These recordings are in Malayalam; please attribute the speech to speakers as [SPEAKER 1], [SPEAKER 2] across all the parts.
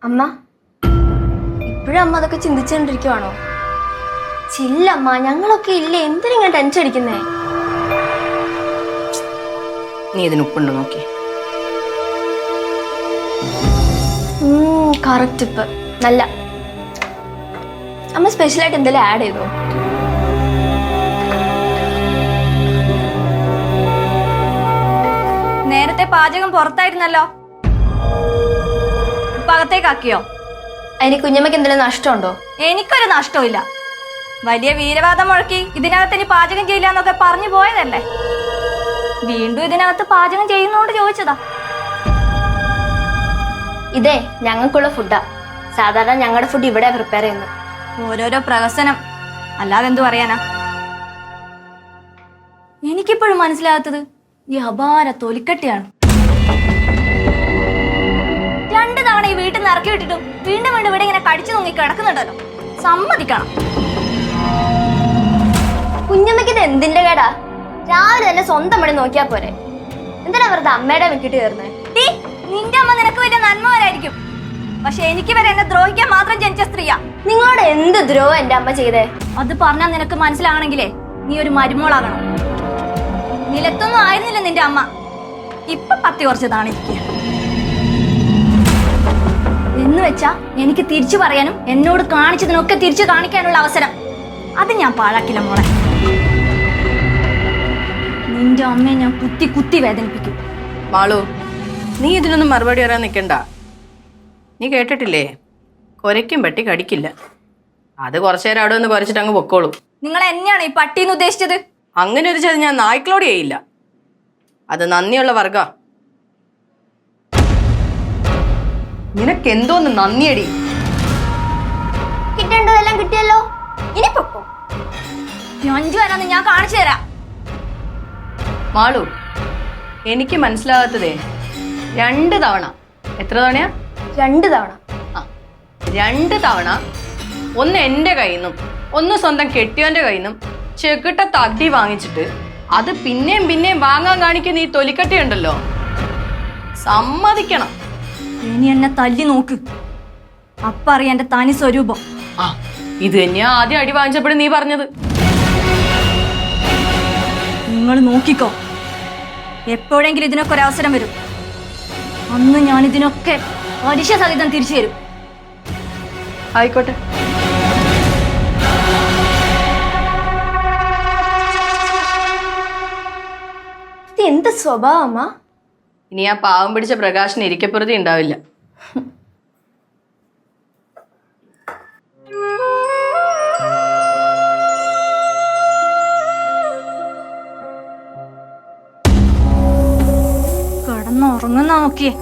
[SPEAKER 1] അമ്മ ഇപ്പോഴും അമ്മ അതൊക്കെ ചിന്തിച്ചുകൊണ്ടിരിക്കുവാണോ? ചില്ലമ്മ, ഞങ്ങളൊക്കെ ഇല്ലേ, എന്തിനാ ടെൻഷൻ അടിക്കുന്നേ?
[SPEAKER 2] നീ ഇതിന് ഉപ്പുണ്ടോ നോക്കി.
[SPEAKER 1] കറക്റ്റ് ഉപ്പ്, നല്ല. അമ്മ സ്പെഷ്യലായിട്ട് എന്തെങ്കിലും ആഡ് ചെയ്തോ?
[SPEAKER 3] നേരത്തെ പാചകം പുറത്തായിരുന്നല്ലോ, ഇപ്പൊ അകത്തേക്കാക്കിയോ?
[SPEAKER 1] അതിന് കുഞ്ഞമ്മയ്ക്ക് എന്തെങ്കിലും നഷ്ടമുണ്ടോ?
[SPEAKER 3] എനിക്കൊരു നഷ്ടമില്ല. വലിയ വീരവാദം മുഴക്കി ഇതിനകത്ത് ഇനി പാചകം ചെയ്യില്ല എന്നൊക്കെ പറഞ്ഞു പോയതല്ലേ. വീണ്ടും ഇതിനകത്ത് പാചകം ചെയ്യുന്നോണ്ട് ചോദിച്ചതാ.
[SPEAKER 1] ഇതേ ഞങ്ങൾക്കുള്ള ഫുഡാ. സാധാരണ ഞങ്ങളുടെ ഫുഡ് ഇവിടെ പ്രിപ്പയർ ചെയ്യുന്നത്.
[SPEAKER 3] ഓരോരോ പ്രഹസനം, അല്ലാതെ എന്തു പറയാനാ. എനിക്കിപ്പോഴും മനസ്സിലാകാത്തത് ഈ അപാര തൊലിക്കട്ടിയാണ്. 2 തവണ ഈ വീട്ടിൽ നിന്ന് ഇറക്കി വിട്ടിട്ടും വീണ്ടും വീണ്ടും ഇവിടെ ഇങ്ങനെ കടിച്ചു നോക്കി കിടക്കുന്നുണ്ടല്ലോ. സമ്മതിക്കണം.
[SPEAKER 1] കുഞ്ഞമ്മയ്ക്ക് ഇത് എന്തിന്റെ കേടാ? രാവിലെ തന്നെ സ്വന്തം പണി നോക്കിയാ പോരെ. എന്തിനാ വെറുതെ അമ്മയുടെ വിട്ടിട്ട് കയറുന്നത്?
[SPEAKER 3] നിന്റെ അമ്മ നിനക്ക് വലിയ നന്മവരായിരിക്കും, പക്ഷെ എനിക്ക് വരെ എന്നെ ദ്രോഹിക്കാൻ മാത്രം ജനിച്ച സ്ത്രീയാ.
[SPEAKER 1] നിങ്ങളോട് എന്ത് ദ്രോഹം എന്റെ അമ്മ ചെയ്തേ?
[SPEAKER 3] അത് പറഞ്ഞാൽ നിനക്ക് മനസ്സിലാകണമെങ്കിലേ നീ ഒരു മരുമോളാകണം. നിലത്തൊന്നും ആയിരുന്നില്ല നിന്റെ അമ്മ, ഇപ്പൊ പത്തി കുറച്ച് താണിരിക്കുക. എന്ന് വെച്ചാ എനിക്ക് തിരിച്ചു പറയാനും എന്നോട് കാണിച്ചതിനൊക്കെ തിരിച്ചു കാണിക്കാനുള്ള അവസരം അത് ഞാൻ പാഴാക്കില്ല മോളെ. നിന്റെ അമ്മയെ ഞാൻ കുത്തി കുത്തി വേദനിപ്പിക്കും.
[SPEAKER 2] മാളു, നീ ഇതിനൊന്നും മറുപടി പറയാൻ നിൽക്കണ്ട. നീ കേട്ടിട്ടില്ലേ, കുരയ്ക്കും പട്ടി കടിക്കില്ല. അത് കുറച്ചു നേരം അവിടെ ഒന്ന് കുരച്ചിട്ട് അങ്ങ് പൊക്കോളൂ.
[SPEAKER 3] നിങ്ങൾ എന്നെയാണ് ഈ പട്ടീന്ന് ഉദ്ദേശിച്ചത്?
[SPEAKER 2] അങ്ങനെ ഒരു ചതി ഞാൻ നായ്ക്കളോട് ചെയ്യില്ല. അത് നന്ദിയുള്ള വർഗ. നിനക്ക് എന്തോന്ന് നന്ദിയടി.
[SPEAKER 1] കിട്ടേണ്ടതെല്ലാം കിട്ടിയല്ലോ, ഇനി പൊക്കോ.
[SPEAKER 3] 5 വരാന്ന് ഞാൻ കാണിച്ചു തരാം.
[SPEAKER 2] മാളു, എനിക്ക് മനസ്സിലാകാത്തതേ 2 തവണ. എത്ര തവണയാ?
[SPEAKER 1] 2 തവണ.
[SPEAKER 2] 2 തവണ. ഒന്ന് എന്റെ കയ്യിൽ നിന്നും ഒന്ന് സ്വന്തം കെട്ടിയോന്റെ കയ്യിൽ നിന്നും ചെകിട്ട തട്ടി വാങ്ങിച്ചിട്ട് അത് പിന്നെയും പിന്നെയും വാങ്ങാൻ കാണിക്കുന്ന ഈ തൊലിക്കട്ടി ഉണ്ടല്ലോ, സമ്മതിക്കണം.
[SPEAKER 3] ഇനി എന്നെ തല്ലി നോക്ക്, അപ്പറിയ എന്റെ തനി സ്വരൂപം.
[SPEAKER 2] ഇത് തന്നെയാ ആദ്യം അടി വാങ്ങിച്ചപ്പോഴും നീ പറഞ്ഞത്.
[SPEAKER 3] നിങ്ങൾ നോക്കിക്കോ, എപ്പോഴെങ്കിലും ഇതിനൊക്കെ ഒരു അവസരം വരും. അന്ന് ഞാൻ ഇതിനൊക്കെ പലിശ സഹിതം തിരിച്ചു തരും.
[SPEAKER 2] ആയിക്കോട്ടെ.
[SPEAKER 1] ഇത് എന്ത് സ്വഭാവം അമ്മ?
[SPEAKER 2] ഇനി ആ പാവം പിടിച്ച പ്രകാശന് ഇരിക്കപ്പുറത്തി ഉണ്ടാവില്ല.
[SPEAKER 3] കിടന്നുറങ്ങുന്ന നോക്കിയേ.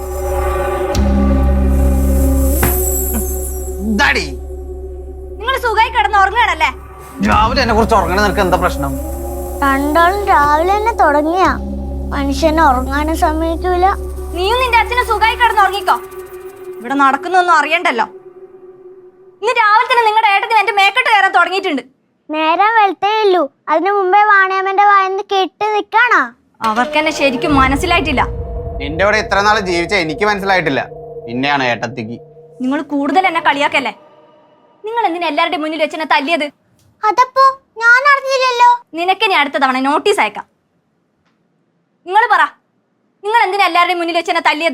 [SPEAKER 3] നിങ്ങൾ സുഖമായി കിടന്നുറങ്ങണല്ലേ?
[SPEAKER 4] രാവിലെ എന്നെ കുറിച്ച് ഉറങ്ങണ നിനക്ക് എന്താ പ്രശ്നം?
[SPEAKER 5] രണ്ടാളും രാവിലെ തന്നെ തുടങ്ങിയ മനുഷ്യനെ ഉറങ്ങാനും സമ്മതിക്കൂല.
[SPEAKER 3] നീയും നിന്റെ അച്ഛനെ സുഖമായി കിടന്നുറങ്ങിക്കോ, ഇവിടെ നടക്കുന്നൊന്നും അറിയണ്ടല്ലോ. ഇന്ന് രാവിലെ തന്നെ നിങ്ങളുടെ ഏട്ടത്തിന് എന്റെ മേക്കെട്ട് കയറാൻ തുടങ്ങിയിട്ടുണ്ട്.
[SPEAKER 5] നേരം വെളുത്തേ ഉള്ളൂ, അതിനു മുമ്പേ വാണിയമ്മന്റെ വായന്ന് കെട്ടി നിക്കാണോ?
[SPEAKER 3] അവർക്ക് എന്നെ ശരിക്കും മനസ്സിലായിട്ടില്ല.
[SPEAKER 4] നിന്റെ ഇവിടെ ഇത്ര നാള് ജീവിച്ച എനിക്ക് മനസ്സിലായിട്ടില്ല, പിന്നെയാണ് ഏട്ടത്തിക്ക്.
[SPEAKER 3] നിങ്ങൾ കൂടുതൽ എന്നെ കളിയാക്കല്ലേ. നിങ്ങൾ എന്തിനാ എല്ലാവരുടെയും മുന്നിൽ വെച്ച് എന്നെ തല്ലിയത്?
[SPEAKER 5] അതപ്പോ ഞാൻ അറിഞ്ഞില്ലല്ലോ.
[SPEAKER 3] നിനക്ക് ഇനി അടുത്ത തവണ നോട്ടീസ് അയക്കാം. നിങ്ങൾ പറ, നിങ്ങൾ എന്തിനാ എല്ലാവരുടെയും മുന്നിൽ വെച്ച് എന്നെ തല്ലിയത്?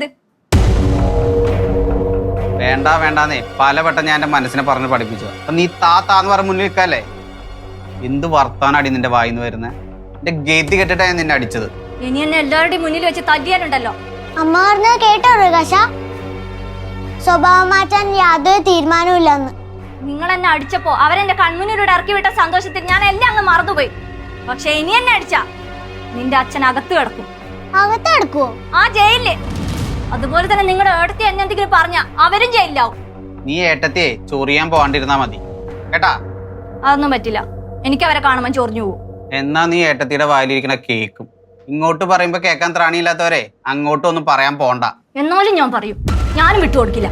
[SPEAKER 4] വേണ്ടാന്നേ പലവട്ടം ഞാൻ എന്റെ മനസ്സിനെ പറഞ്ഞ് പഠിപ്പിച്ചു. അപ്പൊ നീ താന്ന് പറഞ്ഞ മുന്നിൽ നിൽക്കല്ലേ. എന്ത് വർത്താനാടി നിന്റെ വായിന്ന് വരുന്നേ? എന്റെ ഗേറ്റ് കെട്ടിട്ടാണ് നിന്നെ അടിച്ചത്.
[SPEAKER 3] ഇനി എന്നെ എല്ലാവരുടെയും മുന്നിൽ വെച്ച് തല്ലിയാലുണ്ടല്ലോ.
[SPEAKER 5] അമ്മ പറഞ്ഞത് കേട്ടോ പ്രകാശ? സ്വഭാവം മാറ്റാൻ യാതൊരു തീരുമാനമില്ലെന്ന്.
[SPEAKER 3] നിങ്ങൾ എന്നെ അടിച്ചപ്പോ അവരെന്റെ കൺമുന്നിലൂടെ ഇറക്കി വിട്ട സന്തോഷത്തിൽ ഞാൻ എല്ലാം അങ്ങ് മറന്നുപോയി. പക്ഷെ ഇനി എന്നെ അടിച്ചാ നിന്റെ അച്ഛൻ അകത്ത് കിടക്കും.
[SPEAKER 5] അകത്ത് കിടക്കുവോ?
[SPEAKER 3] ആ, ജയിലില്. അതുപോലെ തന്നെ നിങ്ങളുടെ ഏട്ടത്തി എന്നെ എന്തെങ്കിലും പറഞ്ഞ അവരും ജയിലിലാവും.
[SPEAKER 4] നീ ഏട്ടത്തിയെ ചൊറിയാൻ പോകാണ്ടിരുന്നാ മതി കേട്ടാ.
[SPEAKER 3] അതൊന്നും പറ്റില്ല, എനിക്ക് അവരെ കാണുമ്പോൾ ചൊറിഞ്ഞു പോകും.
[SPEAKER 4] എന്നാ നീ ഏട്ടത്തിയുടെ വായിലിരിക്കണ കേക്കും. ഇങ്ങോട്ട് പറയുമ്പോ കേൾക്കാൻ ത്രാണിയില്ലാത്തവരെ അങ്ങോട്ടൊന്നും പറയാൻ പോണ്ട.
[SPEAKER 3] എന്നാലും ഞാൻ പറയും, ഞാനും വിട്ടുകൊടുക്കില്ല.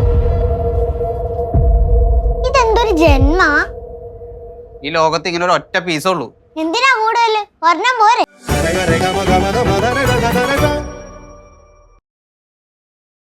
[SPEAKER 5] ഇതെന്തൊരു ജന്മ?
[SPEAKER 4] ഈ ലോകത്ത് ഇങ്ങനെ ഒരു ഒറ്റ പീസേ ഉള്ളൂ.
[SPEAKER 5] എന്തിനാ കൂടുതൽ? ഒരെണ്ണം പോരെ.